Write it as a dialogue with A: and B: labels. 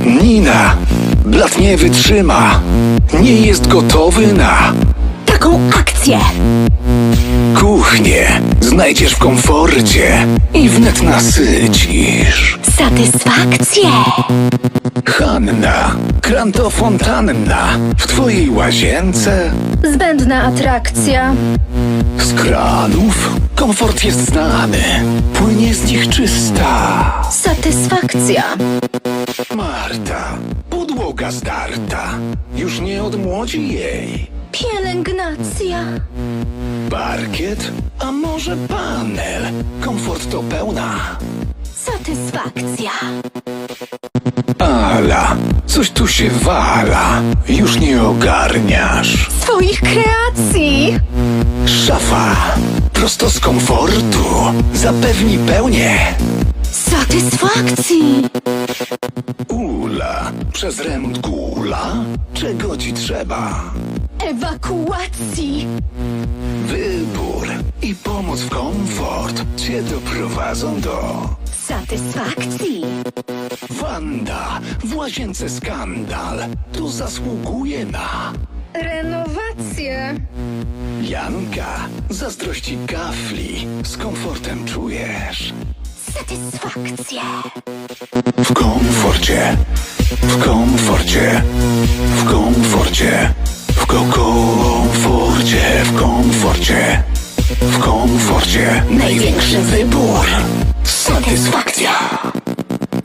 A: Nina, blat nie wytrzyma. Nie jest gotowy na
B: Taką akcję!
A: kuchnię. Znajdziesz w komforcie i wnet nasycisz.
B: Satysfakcję!
A: Hanna, krantofontanna, w twojej łazience
B: Zbędna atrakcja.
A: z kranów komfort jest znany. Płynie z nich czysta.
B: Satysfakcja.
A: Marta, podłoga zdarta, już nie odmłodzi jej.
B: Pielęgnacja.
A: Parkiet, a może panel? Komfort to pełna.
B: Satysfakcja.
A: Ala, coś tu się wala, już nie ogarniasz.
B: Swoich kreacji.
A: Szafa, prosto z komfortu, zapewni pełnię.
B: Satysfakcji.
A: Ula, przez remont gula, czego ci trzeba?
B: Ewakuacji.
A: Wybór i pomoc w komfort cię doprowadzą do
B: Satysfakcji.
A: Wanda, w łazience skandal, tu zasługuje na
B: Renowację.
A: Janka, zazdrości kafli, z komfortem czujesz.
B: Satysfakcja.
A: W komforcie, w komforcie, w komforcie, w komforcie, w komforcie, w komforcie. Największy wybór, satysfakcja.